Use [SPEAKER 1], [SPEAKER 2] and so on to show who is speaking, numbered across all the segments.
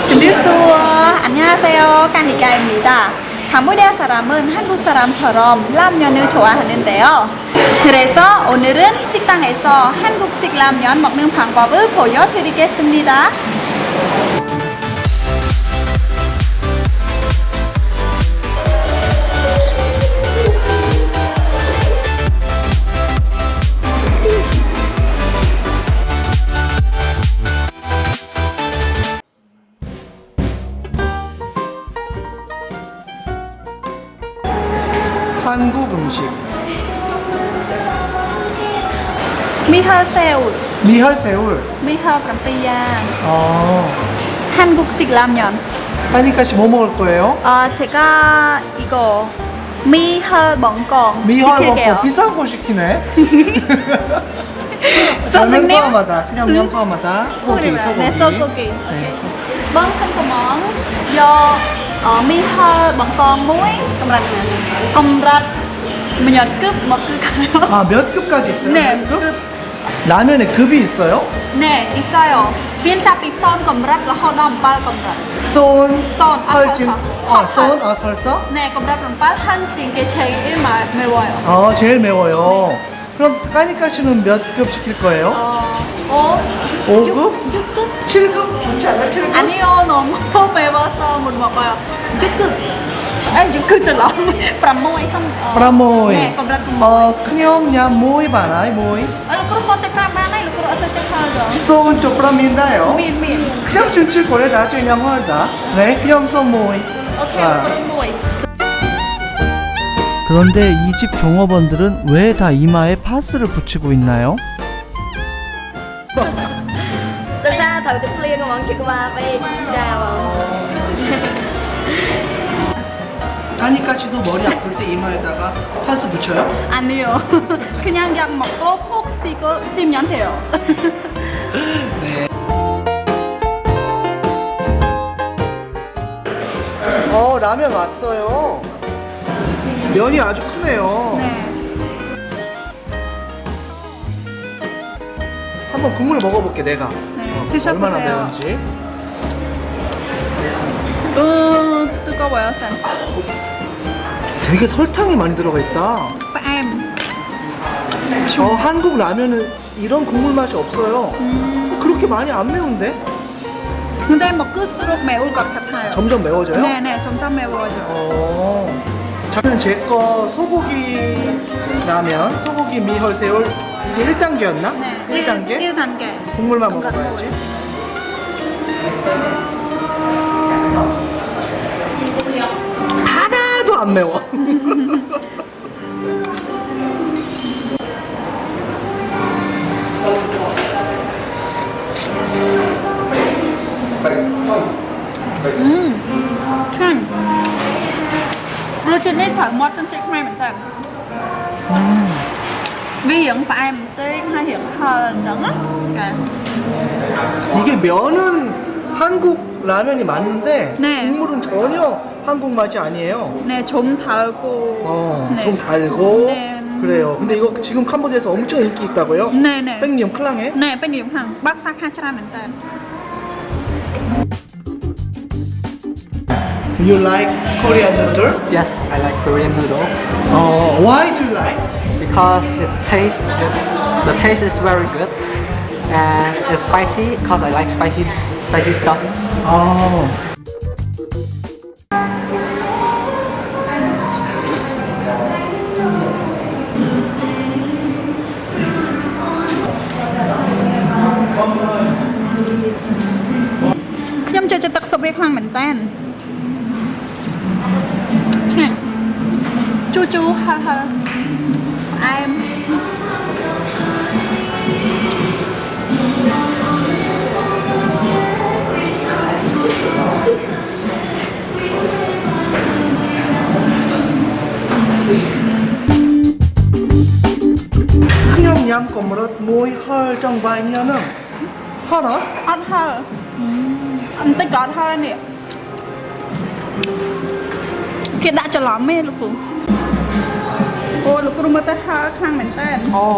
[SPEAKER 1] 준비수어 안녕하세요. 까니까입니다. 캄보디아 사람은 한국 사람처럼 라면을 좋아하는데요. 그래서 오늘은 식당에서 한국식 라면 먹는 방법을 보여드리겠습니다.
[SPEAKER 2] 한국 음식
[SPEAKER 1] 미허새우,
[SPEAKER 2] 미혈새울.
[SPEAKER 1] 미허 깜삐야,
[SPEAKER 2] 어,
[SPEAKER 1] 한국식 라면.
[SPEAKER 2] 까니까씨 뭐 먹을 거예요?
[SPEAKER 1] 제가 이거 미허 멍꽁
[SPEAKER 2] 미혈
[SPEAKER 1] 시킬게요.
[SPEAKER 2] 먹고 비싼 거 시키네. 면
[SPEAKER 1] 선생님?
[SPEAKER 2] 포함하다. 그냥 면 포함하다. 소고기,
[SPEAKER 1] 네, 소고기.
[SPEAKER 2] 네.
[SPEAKER 1] Vâng, xin cô món do mi hơi bằng con muối công rạch một cúp một cúp
[SPEAKER 2] 아, 몇 급까지 있어요?
[SPEAKER 1] 네,
[SPEAKER 2] 몇 급?
[SPEAKER 1] 급.
[SPEAKER 2] 라면에 급이 있어요?
[SPEAKER 1] 네, 있어요. viên 잡이 son công rạch là hot dog bal công rạch.
[SPEAKER 2] 쏜,
[SPEAKER 1] 쏜, 아,
[SPEAKER 2] 펄진.
[SPEAKER 1] 펄써.
[SPEAKER 2] 아, 쏜, 아, 털써?
[SPEAKER 1] 네, công rạch bằng bal 한 개 제일 매워요.
[SPEAKER 2] 어, 제일 매워요. 그럼 까니까씨는 몇 급 시킬 거예요? 5급?
[SPEAKER 1] 6급?
[SPEAKER 2] 7급? 좋지 않아? 7급?
[SPEAKER 1] 아니요, 너무 매워서 못 먹어요. 6급. 아, 6급 잘라. 프라모이 선.
[SPEAKER 2] 프라모이.
[SPEAKER 1] 네, công rạch 프라모이.
[SPEAKER 2] 크뇽냐 모이 바나이 모이.
[SPEAKER 1] Lukro son chắc ra bán này, lukro ở chắc ra rồi.
[SPEAKER 2] 쏜 쪽프라민다요.
[SPEAKER 1] Miền miền.
[SPEAKER 2] 그냥 준출 거래다 그냥 헐다. 네, 그냥 쏜 모이.
[SPEAKER 1] Ok,
[SPEAKER 2] 아.
[SPEAKER 1] lukro mùi.
[SPEAKER 2] 그런데 이 집 종업원들은 왜 다 이마에 파스를 붙이고 있나요?
[SPEAKER 3] Thật ra thời tiết liên của bọn chị của ba về trà bọn
[SPEAKER 2] 까니까씨도 머리 아플 때 이마에다가 파스 붙여요?
[SPEAKER 1] 아니요. 그냥 약 먹고 푹 쉬고 쉬면 돼요.
[SPEAKER 2] 네. 라면 왔어요. 면이 아주 크네요.
[SPEAKER 1] 네.
[SPEAKER 2] 한번 국물 먹어볼게 내가.
[SPEAKER 1] 네, 드셔보세요.
[SPEAKER 2] 얼마나 매운지.
[SPEAKER 1] 뜨거워요, 쌤.
[SPEAKER 2] 되게 설탕이 많이 들어가 있다.
[SPEAKER 1] 뺨.
[SPEAKER 2] 한국 라면은 이런 국물 맛이 없어요. 그렇게 많이 안 매운데?
[SPEAKER 1] 근데 먹을수록 매울 것 같아요.
[SPEAKER 2] 점점 매워져요?
[SPEAKER 1] 네, 네, 점점 매워져요.
[SPEAKER 2] 저는 제 거 소고기 라면, 소고기 미혈새울 이게 1단계였나?
[SPEAKER 1] 네,
[SPEAKER 2] 1단계?
[SPEAKER 1] 1단계.
[SPEAKER 2] 국물만 먹어봐야지. 하나도 안 매워.
[SPEAKER 1] 참. Routine thở một trên chiếc mai mình tầm. Vì hiện phải em tới hai hiện hơn giống á.
[SPEAKER 2] 이게 면은 한국 라면이 맞는데
[SPEAKER 1] 네.
[SPEAKER 2] 국물은 전혀 한국 맛이 아니에요.
[SPEAKER 1] 네, 좀 달고. 네.
[SPEAKER 2] 좀 달고
[SPEAKER 1] 네.
[SPEAKER 2] 그래요. 근데 이거 지금 캄보디아에서 엄청 인기 있다고요?
[SPEAKER 1] 네, 네.
[SPEAKER 2] 뺑님 클랑해?
[SPEAKER 1] 네, bên điểm hàng bác sắc hai trăm mình tầm.
[SPEAKER 2] You like Korean noodle?
[SPEAKER 4] Yes, I like Korean noodles
[SPEAKER 2] Why do you like?
[SPEAKER 4] because the taste is very good and it's spicy because I like spicy stuff.
[SPEAKER 1] ខ្ញុំចូលចិត្តទឹកស៊ុបវាខ្លាំងមែនតើឆ្ងាញ់ជូរជូរហឹរហឹរផ្អែម
[SPEAKER 2] 크뇽 얌 꼬무릇 모이 헐 정바이면은 헐어?
[SPEAKER 1] អត់ហឹរបន្តិចក៏អត់ហឹរនេះគេដាក់ច្រឡំទេលោកគ្រូអូលោកគ្រូមើលទៅហឹរខ្លាំងមែនតើ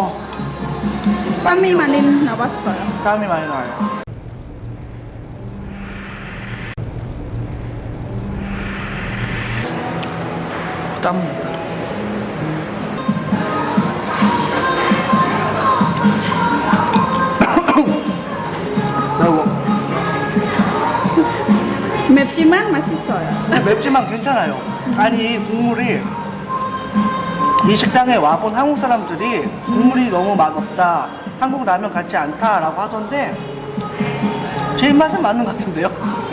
[SPEAKER 1] 땀이 많이 나왔어요.
[SPEAKER 2] 땀이 많이 나요. 짭니다. 매워.
[SPEAKER 1] 맵지만 맛있어요.
[SPEAKER 2] 맵지만 괜찮아요. 아니 국물이 이 식당에 와본 한국 사람들이 국물이 너무 맛없다, 한국 라면 같지 않다라고 하던데 제 입맛은 맞는 것 같은데요.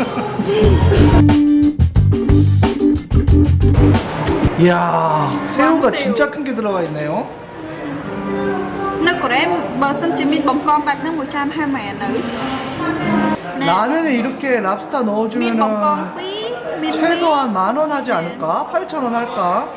[SPEAKER 2] 이야, 새우가
[SPEAKER 1] 왕새우.
[SPEAKER 2] 진짜 큰 게 들어가 있네요.
[SPEAKER 1] Nước của em bờ sân chỉ mít bông con bạc nước 120 nữ. 네.
[SPEAKER 2] 라면에 이렇게 랍스타
[SPEAKER 1] mít bông
[SPEAKER 2] 넣어주면은
[SPEAKER 1] con quý, mít quý.
[SPEAKER 2] 최소한 10,000원 하지 않을까? 8,000원 할까?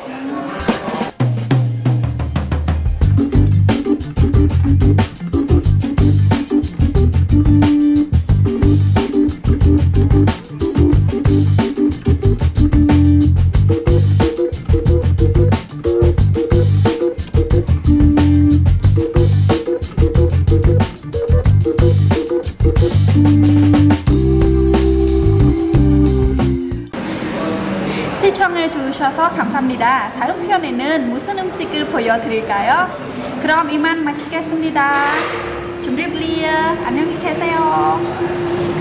[SPEAKER 1] 시청해 주셔서 감사합니다. 다음 편에는 무슨 음식을 보여드릴까요? 그럼 이만 마치겠습니다. 준비블리어 안녕히 계세요.